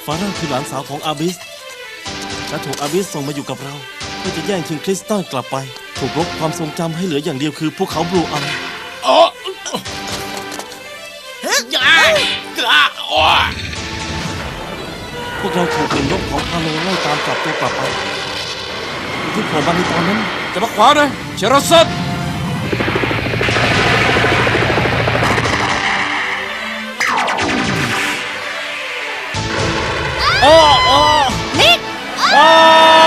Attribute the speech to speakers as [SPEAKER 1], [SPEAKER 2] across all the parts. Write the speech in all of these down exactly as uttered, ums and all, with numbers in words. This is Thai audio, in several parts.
[SPEAKER 1] ฟาร่าคือหลานสาวของอาบิสและถูกอาบิสส่งมาอยู่กับเราเพื่อจะแย่งชิงคริสตัลกลับไปถูกลบความทรงจำให้เหลืออย่างเดียวคือภูเขาบลูอัม
[SPEAKER 2] อ๋อยายกระอ้อ
[SPEAKER 1] พวกเราถูกหนึ่งยกของพาโลไล่ตามจับตัวกลับไปที่โผล่มาในตอนนั้น
[SPEAKER 2] จะมาขวาเลยเชราซัน
[SPEAKER 1] โอ้โอ้
[SPEAKER 3] ลิก
[SPEAKER 1] โอ้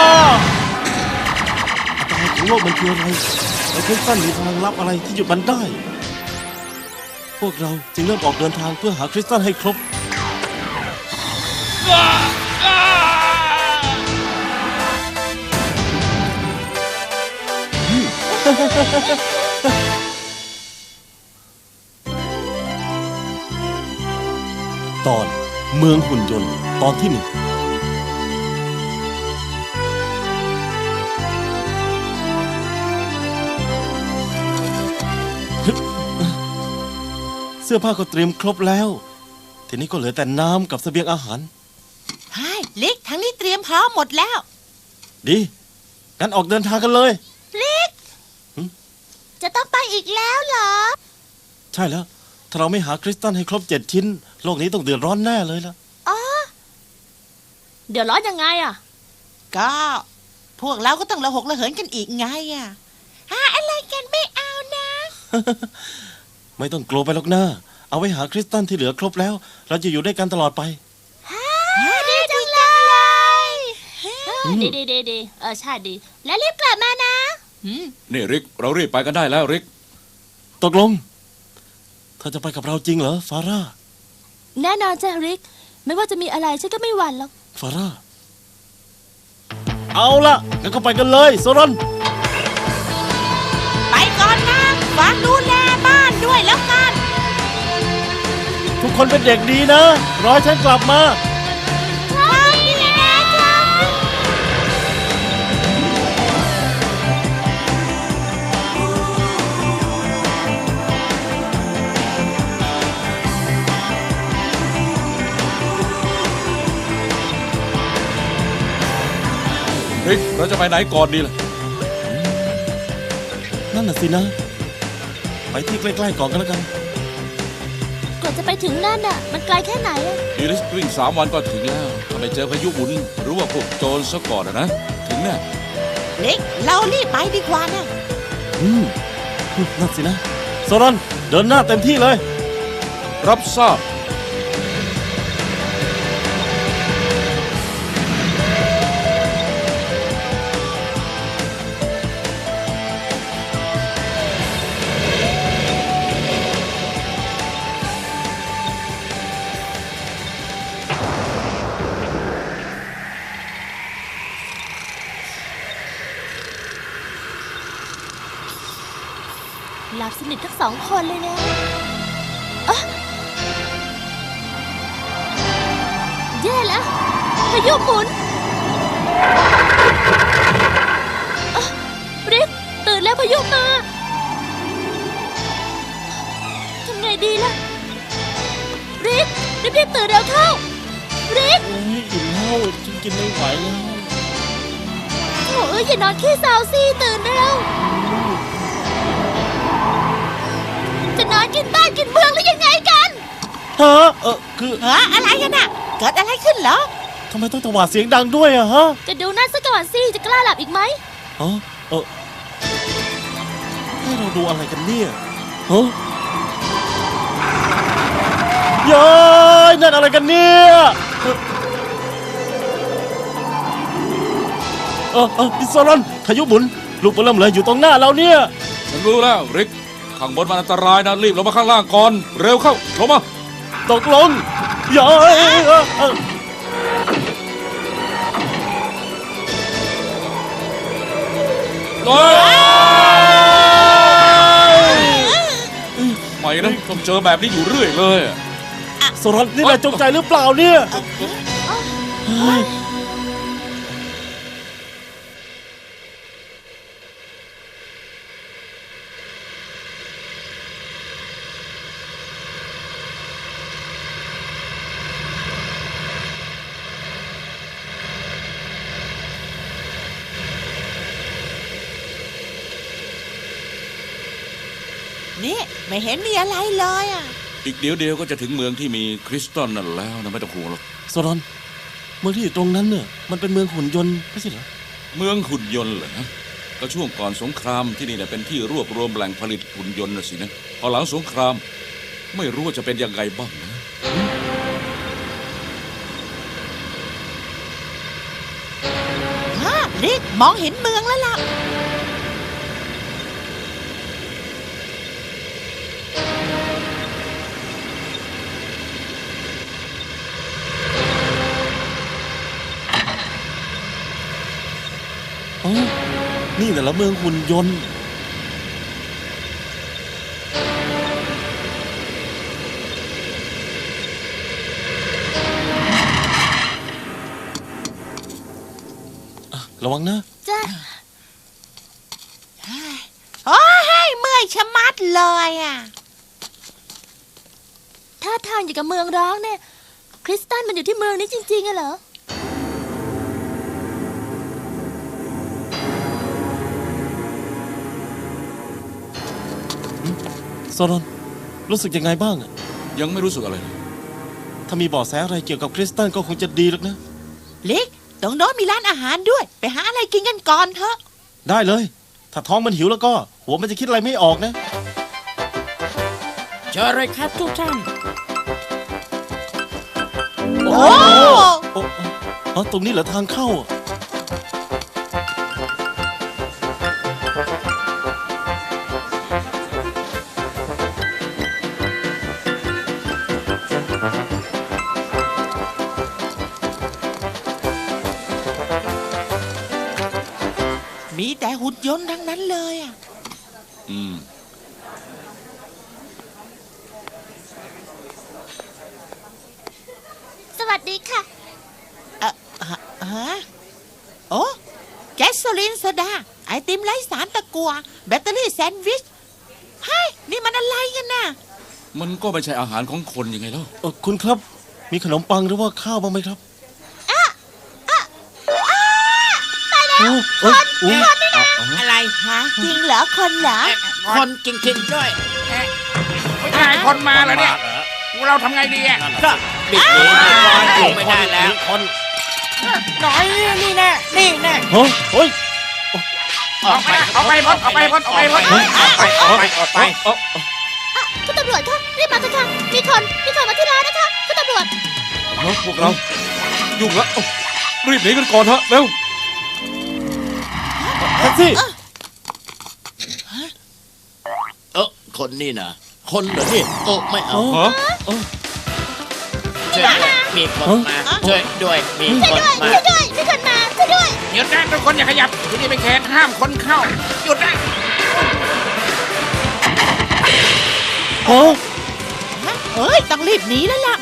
[SPEAKER 1] อันตรายของโลกมันคืออะไรไอ้คริสตัลมีพลังลับอะไรที่หยุดมันได้พวกเราจึงเริ่มออกเดินทางเพื่อหาคริสตัลให้ครบตอนเมืองหุ่นยนต์ตอนที่หนึ่งเสื้อผ้าก็เตรียมครบแล้วทีนี้ก็เหลือแต่น้ำกับเสบียงอาหาร
[SPEAKER 3] ใช่ลิกทั้งนี้เตรียมพร้อมหมดแล้ว
[SPEAKER 1] ดีงั้นออกเดินทางกันเลย
[SPEAKER 3] ลิกจะต้องไปอีกแล้วเหรอ
[SPEAKER 1] ใช่แล้วถ้าเราไม่หาคริสตัลให้ครบเจ็ดชิ้นโลกนี้ต้องเดือดร้อนแน่เลยล่ะ
[SPEAKER 3] อ๋อเดือดร้อนยังไงอ่ะก็พวกเราก็ต้องระหกระเหินกันอีกไงอ่ะหาอะไรกันไม่เอานะ
[SPEAKER 1] ไม่ต้องกลัวไปหรอกนะเอาไว้หาคริสตัลที่เหลือครบแล้วเราจะอยู่ด้วยกันตลอดไป
[SPEAKER 3] ดีจังเลย
[SPEAKER 4] ดีดีดีดีเออใช่ดีแล้วรีบกลับมานะ
[SPEAKER 2] นี่ริกเรารีบไปกันได้แล้วริก
[SPEAKER 1] ตกลงเธอจะไปกับเราจริงเหรอฟาร่า
[SPEAKER 4] แน่นอนจ้ะริกไม่ว่าจะมีอะไรฉันก็ไม่หวั่นหรอก
[SPEAKER 1] ฟาร่าเอาล่ะงั้นก็ไปกันเลยโซรอน
[SPEAKER 3] ไปก่อนนะฝากดูแลบ้านด้วยแล้วกัน
[SPEAKER 1] ทุกคนเป็นเด็กดีนะรอฉันกลับมา
[SPEAKER 3] ใช่แล้วจ้ะ
[SPEAKER 2] ริกเราจะไปไหนก่อนดีล่ะ
[SPEAKER 1] นั่นน่ะสินะไปที่ใกล้ๆก่อนกันแล้วกัน
[SPEAKER 4] กว่าจะไปถึงนั่นน่ะมันไกลแค่ไหนอ่ะ
[SPEAKER 2] อีริสวิ่งสามวันก็ถึงแล้วถ้าไม่เจอพายุหมุนหรือว่าพวกโจรซะก่อนนะถึงแน่
[SPEAKER 3] ลิกเรารีบไปดีกว่านะ
[SPEAKER 1] อืมนั่นสินะโซรอนเดินหน้าเต็มที่เลย
[SPEAKER 2] รับทราบ
[SPEAKER 4] หลับสนิททั้งสองคนเลยนะอะแย่แล้วพายุหมุนริกตื่นแล้วพายุมาทำไงดีล่ะริกรีบๆตื่นเร็วเข้าริก
[SPEAKER 1] โอ้ยอิ่มแล้วฉันกินไม่ไหวแล้ว
[SPEAKER 4] โอ้ยอย่านอนขี้เศร้าสิตื่นเร็วจะนอนกินบ้านกินเมืองหรือยังไงกัน
[SPEAKER 1] ฮะเออคือ
[SPEAKER 3] ฮะอะไรกันน่ะเกิดอะไรขึ้นเหรอ
[SPEAKER 1] ทำไมต้องตวาดเสียงดังด้วยอะฮะ
[SPEAKER 4] จะดูนั่นซะก่อนสิจะกล้าหลับอีกไหม
[SPEAKER 1] ฮะเออให้เราดูอะไรกันเนี่ยฮะย้ายนั่นอะไรกันเนี่ยเออเออพิซซ่ารอนพายุหมุนลูกบอลเริ่มเลยอยู่ตรงหน้าเราเนี่ย
[SPEAKER 2] ฉันรู้แล้วริกข้างบนมันอันตรายนะรีบลงมาข้างล่างก่อนเร็วเข้าลงมา
[SPEAKER 1] ตกลงอย่า
[SPEAKER 2] ไม่นะต้องเจอแบบนี้อยู่เรื่อยเลย
[SPEAKER 1] โซรอนนี่แหละจงใจหรือเปล่าเนี่ย
[SPEAKER 3] นี่ไม่เห็นมีอะไรเลยอ่ะ
[SPEAKER 2] อีกเดี๋ยวเดียวก็จะถึงเมืองที่มีคริสตัลนั่นแล้วนะไม่ต้องห่วงหรอก
[SPEAKER 1] โซรอนเมืองที่อยู่ตรงนั้นเนี่ยมันเป็นเมืองหุ่นยนต์ไม่ใช่เหรอ
[SPEAKER 2] เมืองหุ่นยนต์เหรอก็ช่วงก่อนสงครามที่นี่เนี่ยเป็นที่รวบรวมแหล่งผลิตหุ่นยนต์นะสินะพอหลังสงครามไม่รู้ว่าจะเป็นยังไงบ้างนะ
[SPEAKER 3] ฮะริกมองเห็นเมืองแล้วล่ะ
[SPEAKER 1] อ๋อนี่แต่ละเมืองหุ่นยนต์อ่ะระวังนะ
[SPEAKER 4] จ้า
[SPEAKER 3] โอ้ยเมื่อยชะมัดเลยอ่ะ
[SPEAKER 4] ท่าทางอยู่กับเมืองร้างเนี่ย คริสตัลมันอยู่ที่เมืองนี้จริงๆอะเหรอ
[SPEAKER 1] โซรอนรู้สึกยังไงบ้างอะ
[SPEAKER 2] ยังไม่รู้สึกอะไรเลย
[SPEAKER 1] ถ้ามีเบาะแสอะไรเกี่ยวกับคริสตัลก็คงจะดีแล้วนะ
[SPEAKER 3] ลิกตรงโน้นมีร้านอาหารด้วย ไปหาอะไรกินกันก่อนเถอะ
[SPEAKER 1] ได้เลย ถ้าท้องมันหิวแล้วก็ หัวมันจะคิดอะไรไม่ออกนะ
[SPEAKER 5] เชิญเลยครับทุกท่าน
[SPEAKER 3] โอ้
[SPEAKER 1] โอ้อ๋อตรงนี้เหรอทางเข้าอะ
[SPEAKER 3] มีแต่หุ่นยนต์ทั้งนั้นเลยอ่ะ
[SPEAKER 2] อืม
[SPEAKER 4] สวัสดีค่ะ
[SPEAKER 3] เอ่อฮะฮะโอ้แก๊สโซลินโซดา ไอติมไร้สารตะกัว แบตเตอรี่แซนด์วิชเฮ้ยนี่มันอะไรกันน่ะ
[SPEAKER 2] มันก็ไม่ใช่อาหารของคนยังไงแล้ว
[SPEAKER 1] เออคุณครับ มีขนมปังหรือว่าข้าวบ้างไหมครับโอ้เอ้ยอุ๊ย
[SPEAKER 5] อะไร
[SPEAKER 3] ฮะจริงเหรอคนเหรอ
[SPEAKER 5] คนจริงๆด้วย
[SPEAKER 6] ไม่ใช่คนมาแล้วเนี่ยเราทำไงดีอ่ะ
[SPEAKER 5] ก็บิดหนีบิดลอยอยู่ไม่ได้แล้ว
[SPEAKER 1] คน
[SPEAKER 6] หน่อยนี่แน่นี่แน่
[SPEAKER 1] เฮ้ยเฮ้ย
[SPEAKER 6] ออกไปออกไปพ้นออกไปพ้นออกไปพ้น
[SPEAKER 5] ออกไปออกไปออกไป
[SPEAKER 1] เอ้า
[SPEAKER 4] อ่ะคุณตำรวจคะรีบมาเถอะค่ะ มีคน มีคนมาที่ร้านนะคะ คุณตำรวจ
[SPEAKER 2] เฮ้ยพวกเรายุ่งแล้วรีบหนีกันก่อนเถอะเร็ว
[SPEAKER 1] แท็กซี่
[SPEAKER 5] เออคนนี่นะคนเหรอนี่โอ้ไม่เอา
[SPEAKER 1] เอ้า
[SPEAKER 2] ฮะ
[SPEAKER 5] ช่วยด้วยมีคนมาช่วยด้วยมีคนมา
[SPEAKER 4] ช่วยด้วยมีคนมาช่วยด้วย
[SPEAKER 6] หยุดนะทุกคนอย่าขยับที่นี่เป็นเขตห้ามคนเข้าหยุดนะ
[SPEAKER 1] โอ้
[SPEAKER 3] ฮะเอ้ยต้องรีบหนีแล้วล่ะ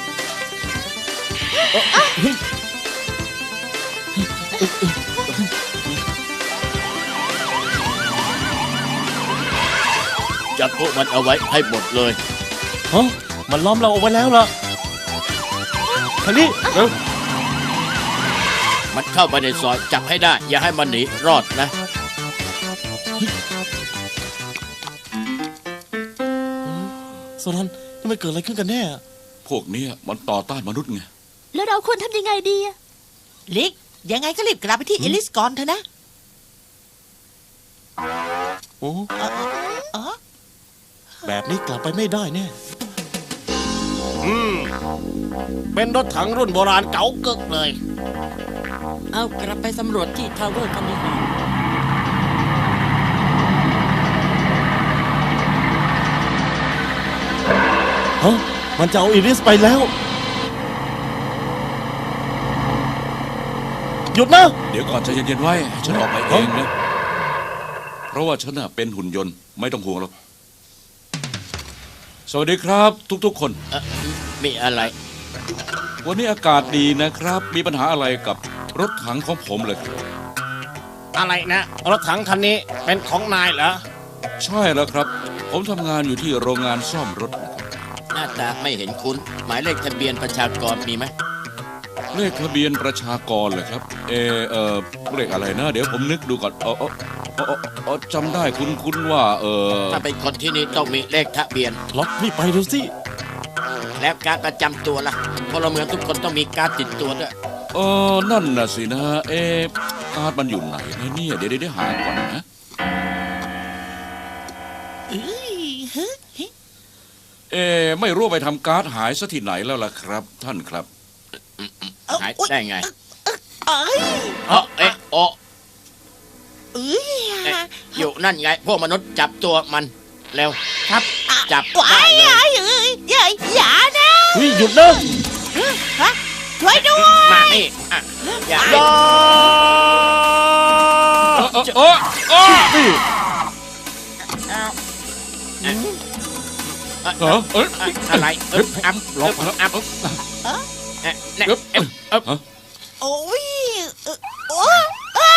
[SPEAKER 5] จับพวกมันเอาไว้ให้หมดเลย
[SPEAKER 1] ฮะมันล้อมเราเอาไว้แล้วล่ะคันนี้เร็ว
[SPEAKER 5] มันเข้าไปในซอยจับให้ได้ อย่าให้มันหนีรอดนะ
[SPEAKER 1] โซรอนนี่มันเกิดอะไรขึ้นกันแน่อะ
[SPEAKER 2] พวกเนี้ยมันต่อต้านมนุษย์ไง
[SPEAKER 4] แล้วเราควรทำยังไงดีอะ
[SPEAKER 3] ลิกยังไงก็รีบกลับไปที่เอลิสก่อนเถอะนะ
[SPEAKER 1] โอ้
[SPEAKER 3] เออเออ
[SPEAKER 1] แบบนี้กลับไปไม่ได้แน่อืมเป็นรถถังรุ่นโบราณเก่าเกิกเลย
[SPEAKER 5] เอากลับไปสำรวจที่ทาวเวอร์กันดีกว่า
[SPEAKER 1] ฮะมันจะเอาอิริสไปแล้ว หยุดนะ
[SPEAKER 2] เดี๋ยวก่อนใจเย็นๆไว้ให้ฉันออกไปเองนะเพราะว่าฉันน่ะเป็นหุ่นยนต์ไม่ต้องห่วงหรอกสวัสดีครับ ทุกๆคน
[SPEAKER 5] เอ่อมีอะไร
[SPEAKER 2] วันนี้อากาศดีนะครับ มีปัญหาอะไรกับรถถังของผมเลยครับ
[SPEAKER 1] อะไรนะรถถังคันนี้เป็นของนายเหรอ
[SPEAKER 2] ใช่แล้วครับ ผมทำงานอยู่ที่โรงงานซ่อมรถนะครับ
[SPEAKER 5] หน้าตาไม่เห็นคุ้น หมายเลขทะเบียนประชากรมีไหม
[SPEAKER 2] เลขทะเบียนประชากรเลยครับ เออเออเลขอะไรนะ เดี๋ยวผมนึกดูก่อนเออเอออ๋ออ๋อจำได้คุณคุณว่า เออ
[SPEAKER 5] ถ้าเป็นคนที่นี่ต้องมีเลขทะเบียน
[SPEAKER 1] ล็อกรีบไปเร็วสิ
[SPEAKER 5] แล้วการประจำตัวล่ะพลเมืองทุกคนต้องมีการติดตัวด้วย
[SPEAKER 2] เออนั่นน่ะสินะ เอะการ์ดมันอยู่ไหนนะเนี่ย เดี๋ยวเดี๋ยวหาก่อนนะ
[SPEAKER 3] เอ้ยเฮ้ย
[SPEAKER 2] เอะไม่รู้ไปทำการ์ดหายซะที่ไหนแล้วล่ะครับ ท่านครับ
[SPEAKER 5] หายได้ไง
[SPEAKER 3] เอ้ย
[SPEAKER 5] เอ๋อเอ๊ะโอะ
[SPEAKER 3] เอ้ย
[SPEAKER 5] เอ๊ะอยู่นั่นไง พวกมนุษย์จับตัวมันเร็ว
[SPEAKER 3] ครับ
[SPEAKER 5] จับ
[SPEAKER 3] ว้า
[SPEAKER 5] ได้
[SPEAKER 3] ย
[SPEAKER 5] เลย
[SPEAKER 3] เอ้ยเอ้ยอย่าอย่านะ
[SPEAKER 1] เฮ้ยหยุดนะ
[SPEAKER 3] ฮะช่วยด้วย
[SPEAKER 5] มานี่อ่ะอย่า
[SPEAKER 1] อย่า
[SPEAKER 2] เออเออเออ
[SPEAKER 1] นี่
[SPEAKER 2] เออเออ
[SPEAKER 5] อะอะไรเอ๊บอัพ
[SPEAKER 2] ล็อกมาแล้ว
[SPEAKER 5] อัพ
[SPEAKER 2] เออ
[SPEAKER 5] เอ๊ะเนี่ย
[SPEAKER 2] เอ๊บ
[SPEAKER 5] เอ๊ะเอ๊ะ
[SPEAKER 2] ฮะ
[SPEAKER 3] โอ้ยเอ่อโอ้ย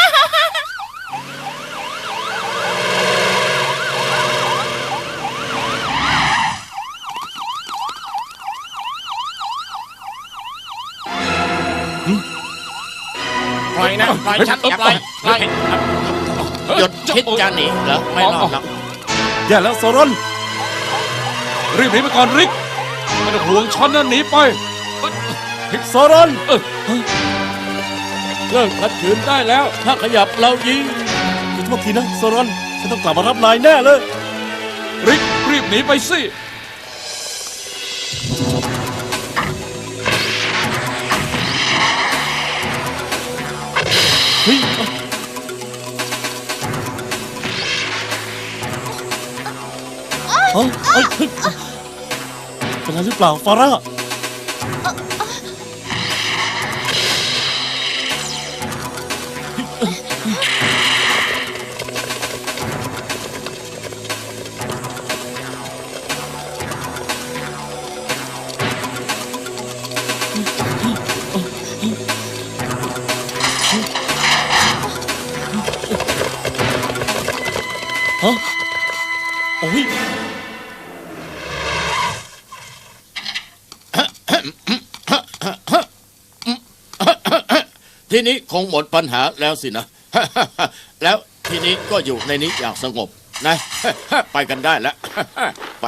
[SPEAKER 5] ปล่อยนะปล่อยฉันอย่าปล่อยปล่อยหยุดคิดจะหนีเหรอไม่รอดหรอก
[SPEAKER 1] อย่าแล้วโซรอน
[SPEAKER 2] รีบหนีไปก่อนริกไม่ต้องห่วงฉันนะหนีไป
[SPEAKER 1] โซรอน
[SPEAKER 2] เออ
[SPEAKER 1] เลิกขัดขืนได้แล้ว ถ้าขยับเรายิงขอโทษทีนะโซรอนฉันต้องกลับมารับนายแน่เลย
[SPEAKER 2] ริกรีบหนีไปสิ
[SPEAKER 1] เฮ้ยเอ้าเอ้ยเฮ้ยเป็นอะไรหรือเปล่าฟาร่า ฮะโอ้ย
[SPEAKER 5] ทีนี้คงหมดปัญหาแล้วสินะ แล้วทีนี้ก็อยู่ในนี้อย่างสงบนะ ไปกันได้แล้ว ไป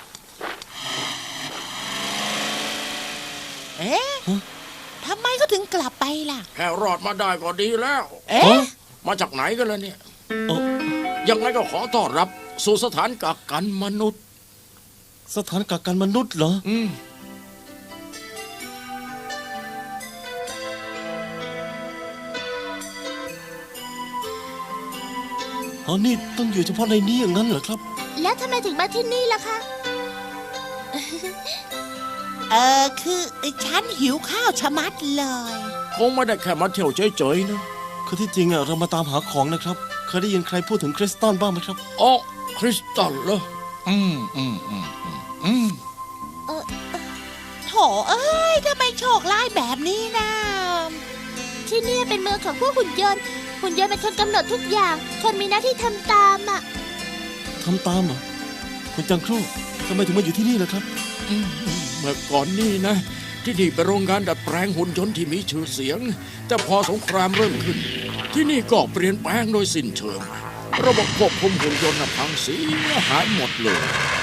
[SPEAKER 3] เอ๊ะทำไมเขาถึงกลับไปล่ะ
[SPEAKER 5] แค่รอดมาได้ก็ดีแล้ว
[SPEAKER 3] เอ๊ะ
[SPEAKER 5] มาจากไหนกันล่ะเนี่ย
[SPEAKER 1] เอ้า
[SPEAKER 5] ยังไงก็ขอต้อนรับสู่สถานกักกันมนุษย์
[SPEAKER 1] สถานกักกันมนุษย์เหรอ
[SPEAKER 5] อืม
[SPEAKER 1] อ๋อนี่ต้องอยู่เฉพาะในนี้อย่างนั้นเหรอครับ
[SPEAKER 4] แล้วทำไมถึงมาที่นี่ล่ะคะ
[SPEAKER 3] เออคือฉันหิวข้าวชะมัดเลย
[SPEAKER 5] คงไม่ได้แค่มาเที่ยวเฉยๆนะ
[SPEAKER 1] คือที่จริงอะเรามาตามหาของนะครับ เคยได้ยินใครพูดถึงคริสตัลบ้างไหมครับ
[SPEAKER 5] อ๋อคริสตัลเหรอ
[SPEAKER 2] อืมอืมอืมอืมอืม
[SPEAKER 3] โถเอ้ยทำไมโชคร้ายแบบนี้นะ
[SPEAKER 4] ที่นี่เป็นเมืองของพวกหุ่นยนต์ หุ่นยนต์เป็นคนกำหนดทุกอย่าง คนมีหน้าที่ทำตามอ่ะ
[SPEAKER 1] ทำตามเหรอ คุณจังครูทำไมถึงมาอยู่ที่นี่ล่ะครับ
[SPEAKER 5] อืมเมื่อก่อนนี่นะ ที่นี่เป็นโรงงานดัดแปลงหุ่นยนต์ที่มีชื่อเสียง แต่พอสงครามเริ่มขึ้น ที่นี่ก็เปลี่ยนแปลงโดยสิ้นเชิง ระบบควบคุมหุ่นยนต์น่ะพังเสียหายหมดเลย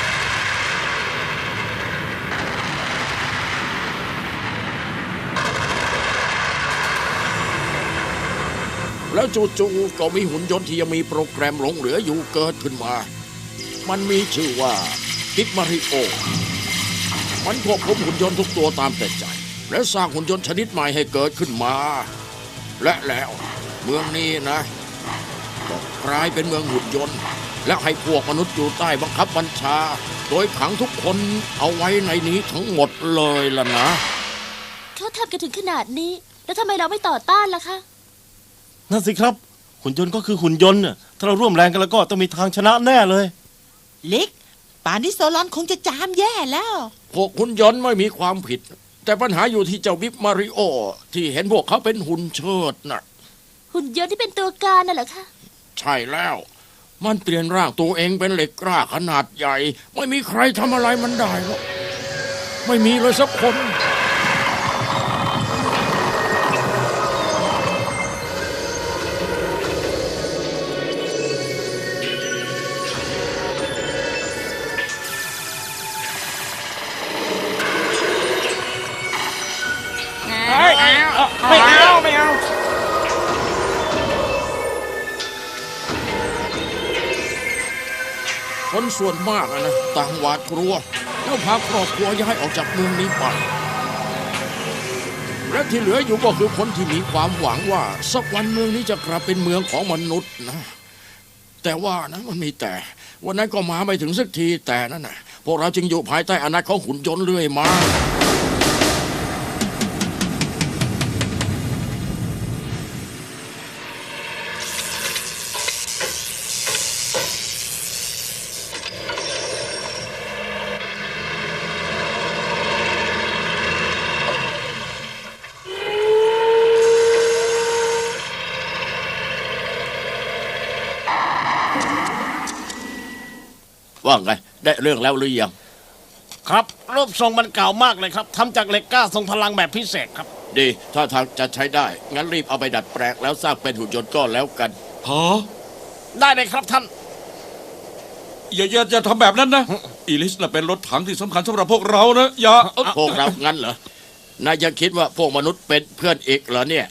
[SPEAKER 5] แล้วจู่ๆก็มีหุ่นยนต์ที่ยังมีโปรแกรมหลงเหลืออยู่เกิดขึ้นมา มันมีชื่อว่ากิกมาริโอ มันควบคุมหุ่นยนต์ทุกตัวตามแต่ใจ และสร้างหุ่นยนต์ชนิดใหม่ให้เกิดขึ้นมา และแล้วเมืองนี้นะก็กลายเป็นเมืองหุ่นยนต์ และให้พวกมนุษย์อยู่ใต้บังคับบัญชา โดยขังทุกคนเอาไว้ในนี้ทั้งหมดเลยล่ะนะ
[SPEAKER 4] เขาทำกันถึงขนาดนี้ แล้วทำไมเราไม่ต่อต้านล่ะคะ
[SPEAKER 1] นั่นสิครับ หุ่นยนต์ก็คือหุ่นยนต์น่ะถ้าเราร่วมแรงกันแล้วก็ต้องมีทางชนะแน่เลย
[SPEAKER 3] ลิก ป่านนี้โซลอนคงจะจามแย่แล้ว
[SPEAKER 5] พวกหุ่นยนต์ไม่มีความผิด แต่ปัญหาอยู่ที่เจ้าบิ๊กมาริโอ ที่เห็นพวกเขาเป็นหุ่นเชิดน่ะ
[SPEAKER 4] หุ่นยนต์ที่เป็นตัวการน่ะเหรอคะ
[SPEAKER 5] ใช่แล้ว มันเปลี่ยนร่างตัวเองเป็นเหล็กกล้าขนาดใหญ่ ไม่มีใครทำอะไรมันได้หรอกไม่มีเลยสักคน
[SPEAKER 1] ฟ
[SPEAKER 6] ไม่เอาไม่เอา
[SPEAKER 5] คนส่วนมากอะนะต่างหวาดกลัวแล้วพาครอบครัวย้ายออกจากเมืองนี้ไปและที่เหลืออยู่ก็คือคนที่มีความหวังว่าสักวันเมืองนี้จะกลับเป็นเมืองของมนุษย์นะแต่ว่านะมันมีแต่ วันนั้นก็มาไม่ถึงสักทีแต่นั่นนะพวกเราจึงอยู่ภายใต้อำนาจของหุ่นยนต์เรื่อยมาว่าไงได้เรื่องแล้วหรือยัง
[SPEAKER 7] ครับรูปทรงมันเก่ามากเลยครับทำจากเหล็กกล้าทรงพลังแบบพิเศษครับ
[SPEAKER 5] ดีถ้าทางจะใช้ได้งั้นรีบเอาไปดัดแปลงแล้วสร้างเป็นหุ่นยนต์ก็แล้วกัน
[SPEAKER 2] ฮะ
[SPEAKER 7] ได้เลยครับท่าน
[SPEAKER 2] อย่าอย่าอย่าทำแบบนั้นนะอีลิสน่ะเป็นรถถังที่สำคัญสำหรับพวกเรานะอย่าเอ้า
[SPEAKER 5] พวกเรางั้นเหรอนายยังคิดว่าพวกมนุษย์เป็นเพื่อนอีกเหรอเนี่ย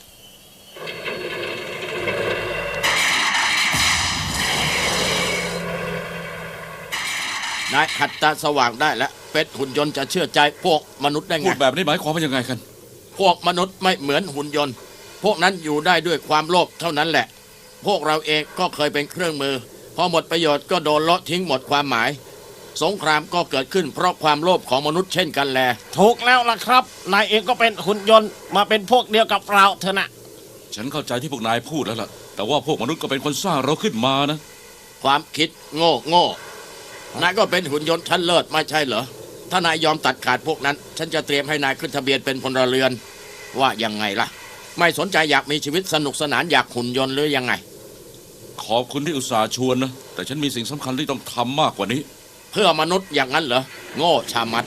[SPEAKER 5] นายหัดตาสว่างได้แล้วเป็นหุ่นยนต์จะเชื่อใจพวกมนุษย์ได้
[SPEAKER 2] พู
[SPEAKER 5] ไง
[SPEAKER 2] ดแบบนี้หมายความว่ายังไงกัน
[SPEAKER 5] พวกมนุษย์ไม่เหมือนหุ่นยนต์ พวกนั้นอยู่ได้ด้วยความโลภเท่านั้นแหละ พวกเราเองก็เคยเป็นเครื่องมือ พอหมดประโยชน์ก็โดนเลาะทิ้งหมดความหมาย สงครามก็เกิดขึ้นเพราะความโลภของมนุษย์เช่นกันแล
[SPEAKER 7] ถูกแล้วล่ะครับ นายเองก็เป็นหุ่นยนต์มาเป็นพวกเดียวกับเราเถอะนะ
[SPEAKER 2] ฉันเข้าใจที่พวกนายพูดแล้วล่ะ แต่ว่าพวกมนุษย์ก็เป็นคนสร้างเราขึ้นมานะ
[SPEAKER 5] ความคิดโง่โง่นายก็เป็นหุ่นยนต์ชั้นเลิศไม่ใช่เหรอ ถ้านายยอมตัดขาดพวกนั้น ฉันจะเตรียมให้นายขึ้นทะเบียนเป็นพลเรือน ว่ายังไงล่ะ ไม่สนใจอยากมีชีวิตสนุกสนานอยากหุ่นยนต์หรือยังไง
[SPEAKER 2] ขอบคุณที่อุตส่าห์ชวนนะ แต่ฉันมีสิ่งสำคัญที่ต้องทำมากกว่านี้
[SPEAKER 5] เพื่อมนุษย์อย่างนั้นเหรอ โง่ชามัด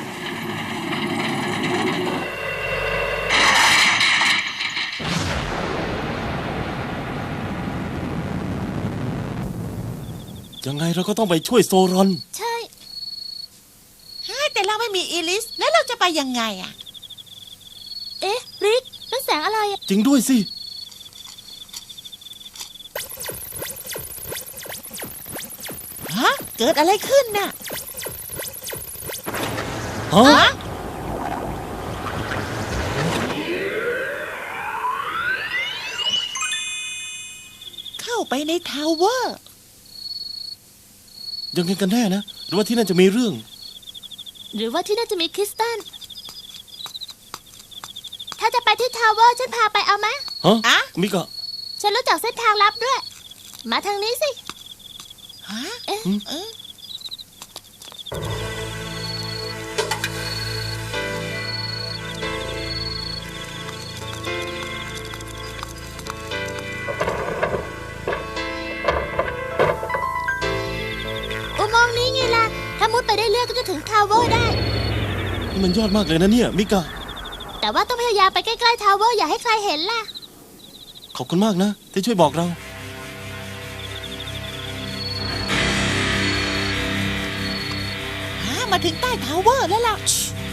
[SPEAKER 1] ยังไงเราก็ต้องไปช่วยโซรอน
[SPEAKER 4] ใช่
[SPEAKER 3] ฮะแต่เราไม่มีอีลิส แล้วเราจะไปยังไงอ่ะ
[SPEAKER 4] เอ๊ะริกนั่นแสงอะไรอะ
[SPEAKER 1] จริงด้วยสิ
[SPEAKER 3] ฮะ เกิดอะไรขึ้นน่ะ
[SPEAKER 1] ฮะ
[SPEAKER 3] ฮะ เข้าไปในทาวเวอร์
[SPEAKER 1] ยังไงกันแน่นะ หรือว่าที่นั่นจะมีเรื่อง
[SPEAKER 4] หรือว่าที่น่าจะมีคริสตัลถ้าจะไปที่ทาวเวอร์ฉันพาไปเอาไหม
[SPEAKER 1] ฮะ
[SPEAKER 3] อะ
[SPEAKER 1] มิกะ
[SPEAKER 4] ฉันรู้จักเส้นทางลับด้วย มาทางนี้สิ
[SPEAKER 3] ฮะ
[SPEAKER 4] เอ๊ะ
[SPEAKER 3] เออ
[SPEAKER 4] อุโมงค์นี้ไงล่ะ ถ้ามุดไปได้เรื่อยก็จะถึงทาวเวอร์ได้
[SPEAKER 1] นี่มันยอดมากเลยนะเนี่ยมิกะ
[SPEAKER 4] แต่ว่าต้องพยายามไปใกล้ๆทาวเวอร์อย่าให้ใครเห็นล่ะ
[SPEAKER 1] ขอบคุณมากนะที่ช่วยบอกเรา
[SPEAKER 3] ฮะ มาถึงใต้ทาวเวอร์แล้วล่ะ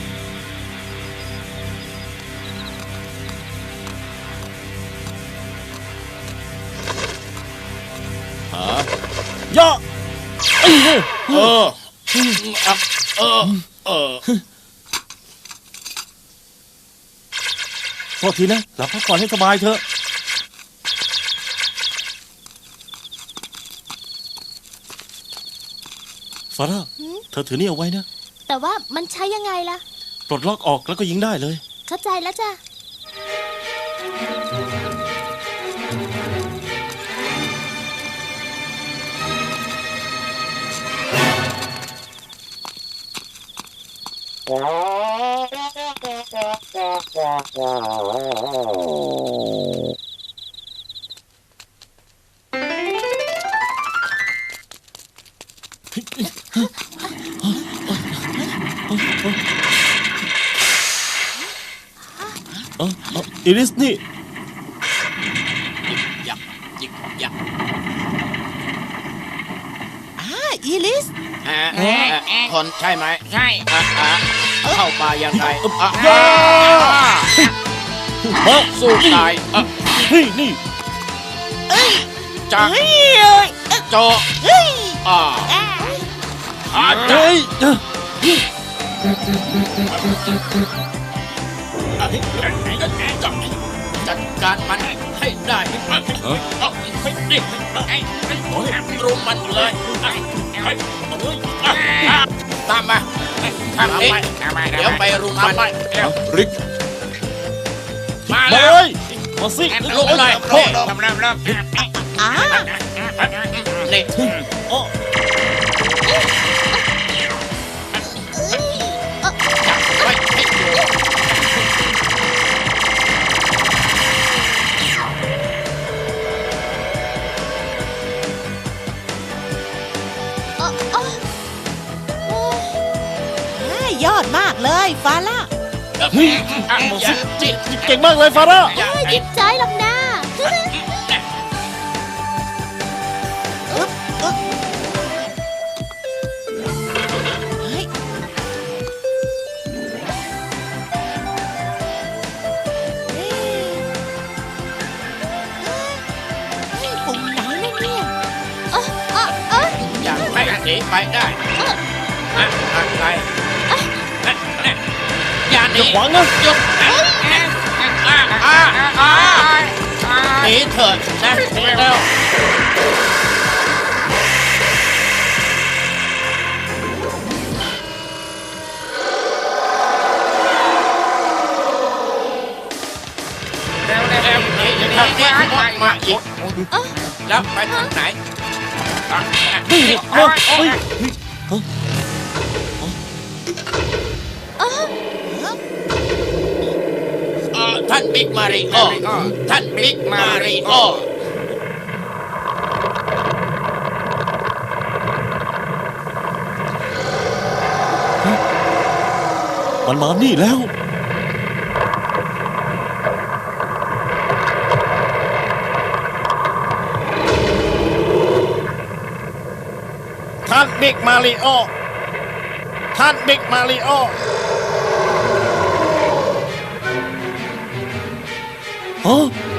[SPEAKER 5] ฮะ
[SPEAKER 1] ยะ
[SPEAKER 5] เออเออเออเออ
[SPEAKER 1] โทษทีนะหลับพักผ่อนให้สบายเถอะ ฟาร่า
[SPEAKER 4] หืม
[SPEAKER 1] เธอถือนี่เอาไว้นะ
[SPEAKER 4] แต่ว่ามันใช้ยังไงล่ะ
[SPEAKER 1] ปลดล็อกออกแล้วก็ยิงได้เลย
[SPEAKER 4] เข้าใจแล้วจ้ะ
[SPEAKER 1] เออเอออิริสนี่
[SPEAKER 5] ยักยิกยัก
[SPEAKER 3] อ่า อีลิส
[SPEAKER 5] ฮะคนใช่ไหม
[SPEAKER 6] ใช่
[SPEAKER 5] อ่ะอ่ะเข้ามายังไงอ่ะ
[SPEAKER 1] ย่ามา
[SPEAKER 5] สู้ตายอ่ะ
[SPEAKER 1] เฮ้ยนี่
[SPEAKER 5] จาก
[SPEAKER 3] เฮ้ยเอ้ย
[SPEAKER 5] จอ
[SPEAKER 3] เฮ้ย
[SPEAKER 5] อ่า
[SPEAKER 3] อ่า
[SPEAKER 5] อาจา
[SPEAKER 1] เฮ้ยเอ้อ
[SPEAKER 5] จัดการมันให้ได้
[SPEAKER 2] เอ้อ
[SPEAKER 5] เอาให้ดิรุมมันเลยตามมาทางนี้เดี๋ยวไปรุมมัน
[SPEAKER 2] ริก
[SPEAKER 5] มา
[SPEAKER 1] มา
[SPEAKER 5] แล้
[SPEAKER 1] เล
[SPEAKER 5] วย
[SPEAKER 1] มาสิ
[SPEAKER 5] ลุกเลย
[SPEAKER 6] เริ่มเริ่มเริ่มเริ่ม
[SPEAKER 3] อ่า
[SPEAKER 5] นี่
[SPEAKER 1] โอ้
[SPEAKER 5] ไว้ให้ดู
[SPEAKER 4] เอ่อเอ่อเอ่อ
[SPEAKER 3] อ่ายอดมากเลยฟาร่า
[SPEAKER 1] เฮ้ย
[SPEAKER 5] อ่ะ
[SPEAKER 1] มา
[SPEAKER 5] อย่า
[SPEAKER 1] สิ
[SPEAKER 5] จิต
[SPEAKER 1] เก่งมากเลยฟาร่า
[SPEAKER 5] อย่า
[SPEAKER 4] เอ้ย
[SPEAKER 5] จิ
[SPEAKER 4] ยิ
[SPEAKER 5] ต
[SPEAKER 4] บใจหรอกนะ
[SPEAKER 3] อึ๊บอึ๊บเฮ้ยเอ๊ะเฮ้ยปุ่มไหนนะเนี่ย
[SPEAKER 4] เอ่อเอ่อเอ่อ
[SPEAKER 5] อย่าให้หนีไปได้
[SPEAKER 4] เอ่อ
[SPEAKER 5] อะอะไรนั่นนั่นอย่าหนี
[SPEAKER 1] อย่าขวางนะ
[SPEAKER 5] หยุดอ่ะอ่ะอ่ะหนีเถิดนะหนีแล้ว
[SPEAKER 6] เร็วเร็ว
[SPEAKER 5] เร็วหนีหนีหนีหนีมามาอีก
[SPEAKER 4] เอ่อ
[SPEAKER 5] แล้วไปทางไหน
[SPEAKER 1] เฮ้ยเฮ้ยเฮ้ยเฮ้ย
[SPEAKER 4] เอ่อ
[SPEAKER 5] เอ่อท่านบิ๊กมาริโอท่านบิ๊กมาริโอ
[SPEAKER 1] มันมานี่แล้ว
[SPEAKER 7] ท่านบิ๊กมาริโอ ท่านบิ๊กมาริโอ
[SPEAKER 1] ฮะ